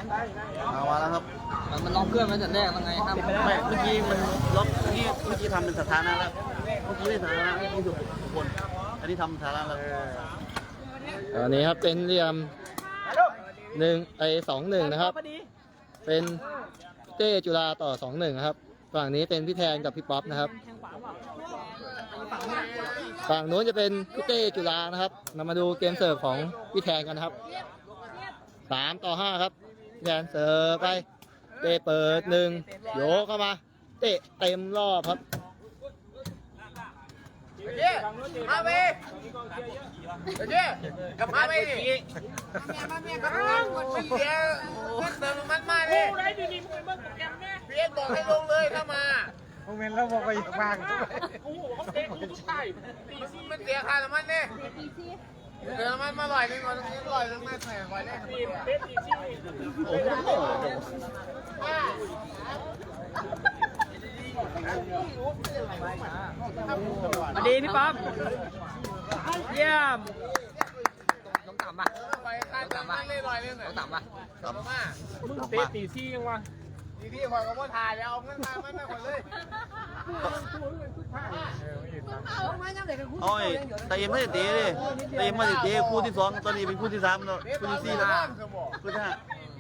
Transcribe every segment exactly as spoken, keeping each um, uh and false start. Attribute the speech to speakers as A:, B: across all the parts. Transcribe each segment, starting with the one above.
A: เอามาแล้วครับ
B: มันล็อกเครื่องมันแต่แรกยังไงครับ
A: ไม่เมื่อกี้มันล็อกเมื่อกี้เมื่อกี้ทำเป็นสถานะแล้วเมื่อกี้ไม่สถานะเมื่อกี้ถูกคนอันนี้ทำสถานะแล้ว
C: อันนี้ครับเป็นเหลี่ยมหนึ่งไอสองหนึ่งนะครับเป็นเต้จุฬาต่อสองหนึ่งนะครับฝั่งนี้เป็นพี่แทนกับพี่ป๊อปนะครับฝั่งนู้นจะเป็นพี่เต้จุฬานะครับเรามาดูเกมเสิร์ฟของพี่แทนกันนะครับสามต่อห้าครับพี่แทนเสิร์ฟไปเต้เปิดหนึ่งโยกเข้ามาเตะเต็มรอบครับ
D: เจ๊มาไปเจ๊กลับมาไปดิมาเมียมาเมียกลับมามันเสียเงินเติมมันมาเลยเพี้ยนบอกให้ลงเลยถ้ามาโมเมนต์เราบอกไปวางโอ้โหเขาเตะกูใช่มันเสียค่าน้ำมันเนี่ยเติมมันมาลอยนึงก่อนตรงนี้ลอยนึงไม่แพงไว้เลยโอ้โห
B: สวัสดีพี่ป๊อปเยี่ยมต้องต่ำป่ะ
D: ไปค่าน้ำมันเลยลอยนึงต้อง
B: ต่ำป่ะ
D: ต่ำมากมึงเตะตีซี่ยังวะตีซี่คอยก็ว่าถ่ายแล้วเอาเงินมาไม่ไม่คนเลย
A: โอ้ยแต่ยังไม่ได้เตะเลยแต่ยังไม่ได้เตะคู่ที่สองตอนนี้เป็นคู่ที่สามแล้วคู่ที่สี่แล้วคู่ที่ห้า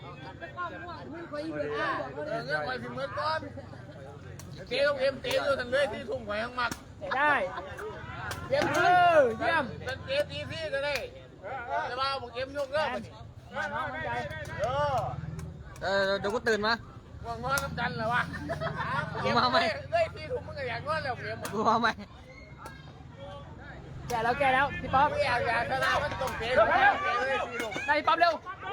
D: เงินคอยพิมพ์เงินก้อนเตะต้องเอ็มเตะอยู่ทันเลยที่ทุ่งหอยทั้งหมัก
B: ได้
D: เยี่ยมเออเยี่ยมเป็นเตะตีซี่ก็ได้แต่ว่าผมเอ็มยกเลิกเออ
B: เออเดี๋ยวกูตื่นมา
D: ว่างนอนน้ำจันเหรอวะ
B: กูมาไหม
D: เลยที่ทุ่งมึงก็อยากนอนแล้วเอ็ม
B: กูมาไหมแกแล้วแกแล้วพี่ป๊อป
D: อยากอยากชนะมันต้องเตะแล้ว
B: ได้พี่ป๊อปเร็ว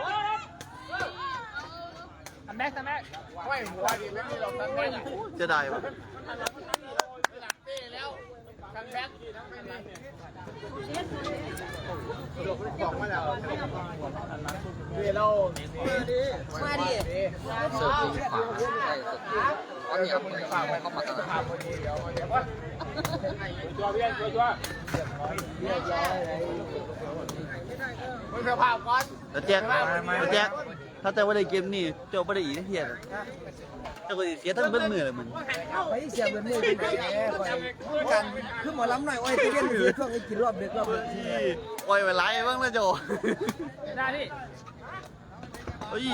B: ทำแม็กทำแม็ก
D: ไม่หัวดิไม่มีหรอกทำแม็ก
A: จะได้ปะ
D: หลักเตะแล้วทำแม็กบอกมาแล้วเดี๋ยวเรามาดิมาดิ
B: เสิร์ฟดีขวาใช่เสิร์ฟดีเอาเนี่ยเข้ามาเข้ามา
D: พอดีเดี๋ยวเดี๋ยวว่าตัวเบี้ยตัวตัวมึงสภาพก่อน
A: แล้วแจ็คแล้วแจ็คถ้าแต่ว่าได้เกมนี่เจ้าไม่ได้อีกเทียนเจ้าก็เสียทั้งเบิ้ลมือเลยมึง
E: ไปเสียเบิ้ลมือเป็นไงกันคือหมอลำหน่อยโอ้ยตีเล่นอยู่ช่วงนี้กินรอบเด็กรอบ
A: ที่โอ้ยไปไล่บ้างนะโจ
B: ได้พี่
A: เฮ้ย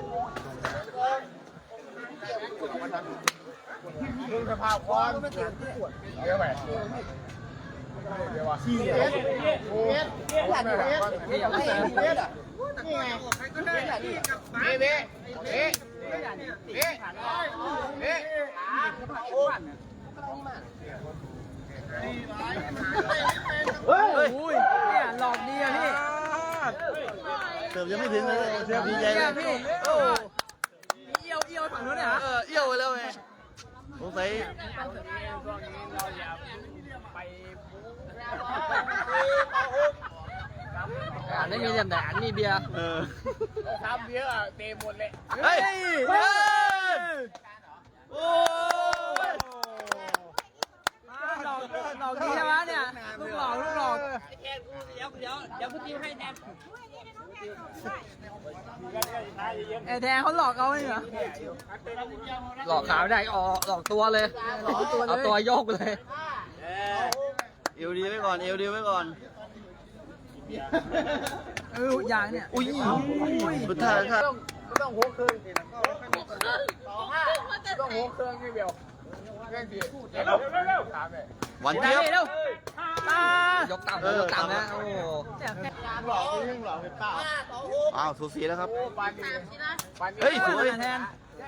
D: มึงสภาพก่อนเดี๋ยวไปเดี๋ยวว่าขี้เอ็ดโอ้ยหลังเอ็ดเอ็ดเอ็ดนี่ไงเบ๊ะเบ๊ะเบ๊ะเบ๊ะเบ๊ะโอ้
B: เฮ้ยเนี่ยหลอกดีอะพี่
A: เติมยังไม่ถึงเลยเติมดีใจเลย
B: พี่โอ้เอี้ยวเอี้ยวฝั่งนู้นเนี่ยฮะ
A: เออเอี้ยวไปแล้วไงสงสัย
B: อันนี้มีแต่อันนี้เบียร์
A: เออ
D: ทำเบียร์เต็มหมดเลย
A: เฮ้ยเฮ้ยโอ้ย
B: หลอกหลอกดีใช่ไหมเนี่ยลูกหลอกลูกหลอกแทนกูเดี๋ยวเดี๋ยวเดี๋ยวกูติวให้แทนไอ้แทนเขาหลอกเอาเหรอหลอกขาไม่ได้อ๋อหลอกตัวเลยเอาตัวโยกเลย
A: เอวดีไว้ก่อนเอวดีไว้ก่อน
B: เอออย่างเนี่ย
A: อุ้ยสุดท้ายครับ
D: ต้องหัวเครื่องต้องหัวเครื่องที่เดียวเรื่องที่เร็วเร็วถามเลย
A: วันเดียว
B: เร็วยกต่ำยกต่ำนะโอ้
D: หลอกที่หลอกเป็นป้า
A: อ้าวสูสีแล้วครับ
B: เฮ้ยสวยแทน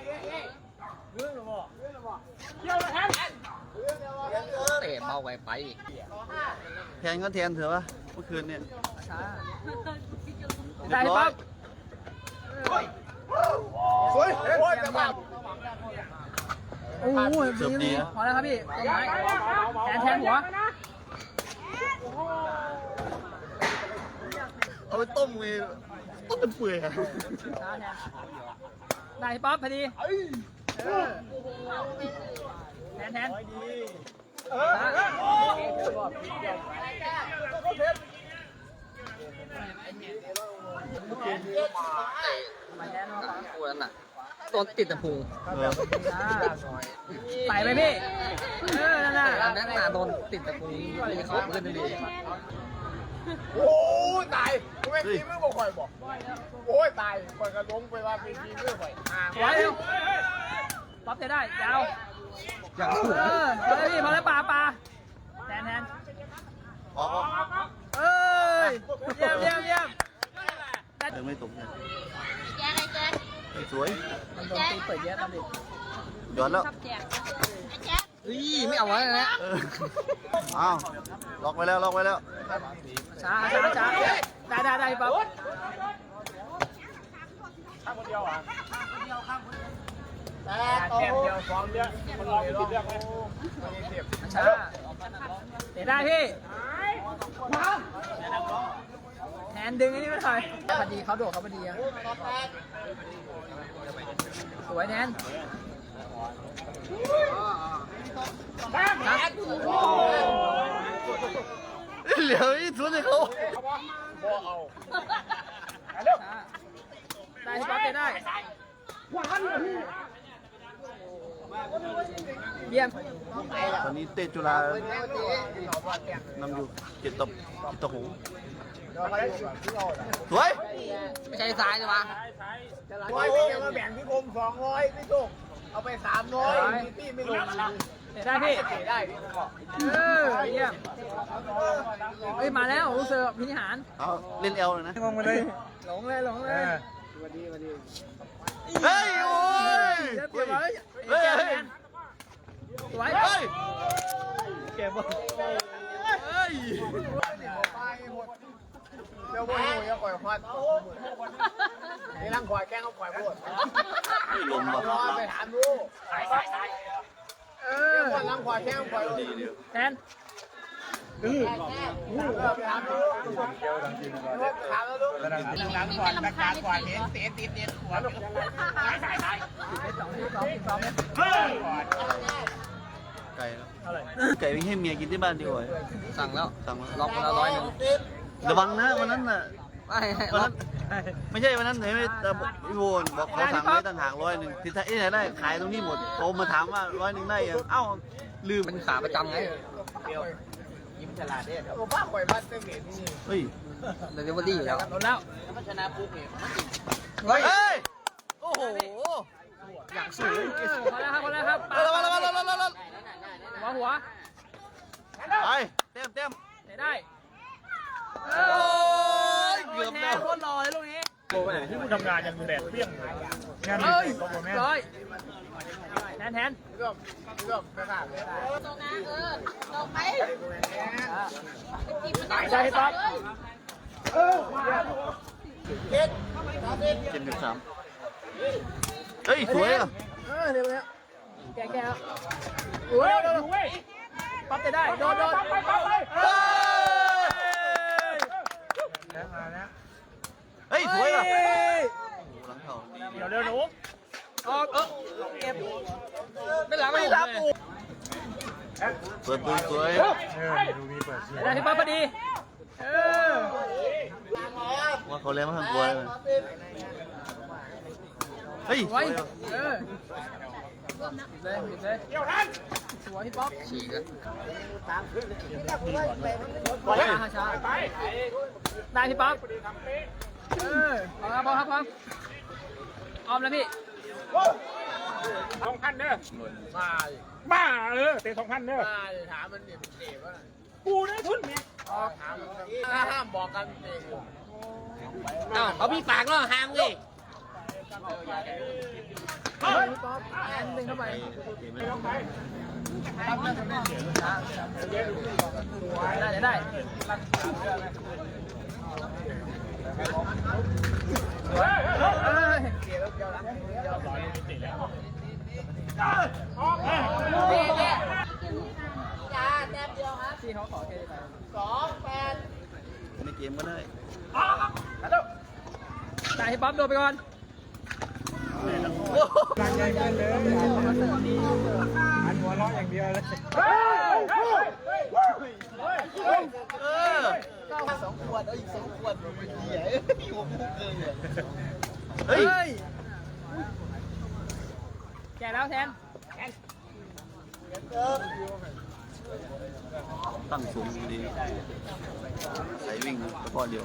B: เตะเบาไปไป
A: แทนก็แทนเถอะวะเมื่อคืนเนี่ย
B: ได้ปั๊บ
D: สวยโอ้ยจะมา
B: โอ้โหดีพอแล้วครับพี่แทนแทนหัว
A: เอาไปต้มเลยต้มเป็นเปื่อย
B: ได้ปั๊บพอดีแทนแทนคู่นั้นน่ะโดนติดตะพุง
A: เออ
B: ใส่ไปพี่เออนั่นน่ะนั่นน่ะโดนติดตะพุงมีเขาขึ้นดี
D: โอ้ยตายกูไม่ทีมือบ่ข่อยบอกโอ้ยตายข่อยก็ล้มไปว่าเป็นทีมือข่อยห่าง
B: ไว้เร็วป๊อปจะได้ยาวอย่างสูงเออเฮ้ยพี่พอแล้วปลาปลาแทนแทน
A: ออกออก
B: เอ้ยเยี่ยมเยี่ยมเยี่ยม
A: เออไม่ตกเนี่ย
F: แจ๊คไอ้แจ๊ค
A: เฮ้ยสวย
B: มันโดนตีเปิดเยอะตอนเด็ก
A: ย้อนแล้ว
F: ชอบแจ๊คไอ้แจ๊ค
B: เฮ้ยไม่เอาไว้นะ
A: เอออ้าวล็อกไว้แล้วล็อกไว้แล้ว
B: ช้าช้าช้าได้ได้ได้ป๊อป
D: ข้างคนเดียวอ่ะแต่แต้มเดียวสองเดียวมันลองติดเรื่องไหม
B: ช้าเตะได้พี่แทนดึงไอ้นี่ไม่ถอยพอดีเขาโดดเขาพอดีอะสวยแทน
A: เหลียวอีสวนให้เขา
D: บ่เอา
B: ได้ที่ป๊อปเตะได้เยี่ยม
A: ตอนนี้เตะจุฬานำอยู่เจ็ดต่อเจ็ดต่อหกสวย
B: ไม่ใช่ซ้ายเลยวะ
D: ร้อยพี่แกมาแบ่งพี่คมสองร้อยพี่โชคเอาไปสามร้อยพี่ไม่ลง
B: เตะได้พี่
D: ได้พี่ก็
B: เออเยี่ยมเฮ้ยมาแล้วรู้สึกพินิหาร
A: เอาเล่นเอลเลยนะ
B: งงมาเลยหลงเลยหลงเลย
A: เฮ้ยโอ้ย
B: เดี๋ยวเดี๋ยวไว้
A: เฮ้ย
B: แก
A: เฮ้ย
B: แทนสวย
A: เฮ้ย
B: เก็บ
A: เฮ้ย
D: เดี๋ยวบ่หูอย่าปล่อยควันนี่ร่างควายแกล้งเขาปล่อยพูด
A: ลมว่ะ
D: รอไปถามดู
B: เอ
D: เรื่
B: อ
D: องคนร่างควายแกล้งปล่อยพูด
B: แทน
D: เออไปถามดูถามแล้วดู
F: นี่เป็นลำคาญในสี
D: เสียติดเด็ดหัวลูก
B: สองสองสองเนี่ย
A: ไก่แล้วไก่ไปให้เมียกินที่บ้านดีกว่า
B: สั่งแล้ว
A: สั่งมา
B: ล็อกมาแล้วร้อยหนึ่ง
A: ระวังนะวันนั้นน่ะ
B: ไม่
A: วันนั้นไม่ใช่วันนั้นไหนไม่แต่พี่โวนบอกเขาสั่งไว้ต่างหากร้อยหนึ่งที่ไหนได้ขายตรงนี้หมดโทรมาถามว่าร้อยหนึ่งได้ยังเอ้าลืม
B: เป็นขาประจำไง
D: ยิ้มฉลาดเนี่ยโอ้ป้าปล่อยพัดเต็มเหรียญนี่
A: เฮ้ย
B: เดลิเวอรี่อยู่แล้วโดนแล้ว
D: มันชนะปุ๊บเนี่ย
A: เฮ้ยโอ้โห
B: อย่างสูงพอแล้วครับพอแล้วครับ
A: ระวังระวังระวังระวังระวัง
B: หัวหัว
A: ไปเต็มเต็ม
B: เตะได้
A: โอ้ยเกือบ
B: แท
A: แล้ว
B: นโคตรหล่อเลยลูกนี้
D: ที่มึงทำงานยังแดดเปรี้ยงงาน
B: เอ้ยร้อยแทนแทน
D: เรื่องเรื่องไม่ขาดเลย
F: ตรงนะเออตรงไปจิ้มมัน
B: ใช่ป๊อป
D: เด็ด
A: เจ็ดสิบสามเฮ้ยสวยอ่ะ
B: เออเดี๋ยวเนี้ยแกแกโอ้ยป๊อปเตะได้โดนโดน
A: เฮ้ยสวยอ่ะหลังเข่า
D: เดี๋ยวเร็วหนู
B: ออกเออเก็บไม่หลังไม่รับ
A: เปิดตัวสวย
B: ได้ที่ป๊อปพอดีเออ
A: ว่าเขาเล่นมาทางกลัวเลยเฮ้ยส
B: ไว้
A: วยอ่ะ
B: เออเลยเลยเกี่ยวทันสวยที่ป๊อปฉีกอะ
A: เฮ้ย
B: ช้าช้าได้ที่ป๊อปเออเอาครับพอครับพอออมแล้วพี่
D: สองพันเด้อมาบ้าเออเตะสองพันเด้อมาถามมันเนี่ยเตะว่ากูได้ทุนเนี่ยถามมันห้ามบอกกันเตะ
B: อ้าวเอาพี่ปากเนาะห้ามเลยเฮ้ยป๊อปแอนดึงเข้าไปได้ได้เฮ้ยเฮ้ยนี่นี่
F: จ้าแต้มเดียวครับ
B: ที่เขาขอเคไป
F: สองแปด
A: ในเกมก็ได้
B: ได้ให้ป๊อปโดนไปก่อน
D: อันหัวเราะอย่างเดียวเลย
A: เออ
D: สองขวดเอาอีกสองขวดไปเหี้ยพี่ผมพูดเลย
A: เฮ้ย
B: แกแล้วแทน
A: ตั้งสูงดีใส่วิ่งตะพอเดียว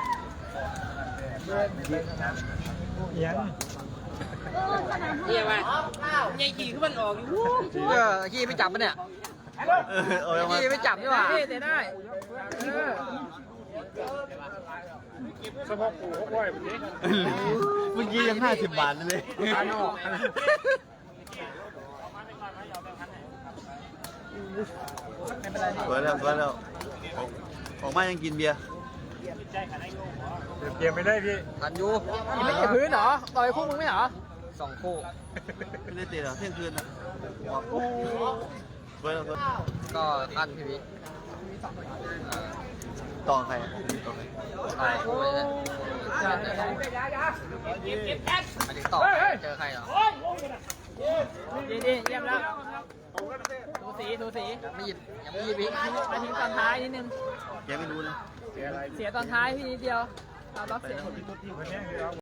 B: เยี่ยมไปยังขี่ขึ้นมันออกอยู่เออขี่ไม่จับมันเนี่ย
A: เออเอายังไง
B: ขี่ไม่จับดีกว่าเตะได้เออ
A: เมื่อกี้ยังห้าสิบบาทเลย
B: อันออก
A: สวยแล้วสวยแล้วออกออกมายังกินเบียร์
C: เกมไม่ได้พี่
B: ทันอยู่ยังไม่เก็บพื้นเหรอต่อยคู่มึงไม่เหรอสองคู่
A: ไม่ได้เตะหรอเที่ยงคืนนะออกสวยแล้วสวย
B: ก็ขั้นพี่วิ
A: ต่อใครต่อใคร
B: ต่อยคู่เลยมาถึงต่อเจอใครเหรอดีดีเยี่ยมแล้วดูสีดูสีไม่หยิบยังไม่หยิบอีกมาทิ้งตอนท้ายนิดนึง
A: แกไม่รู้นะ
B: เสียตอนท้ายพี่นิดเดียวเอาล็อกเสีย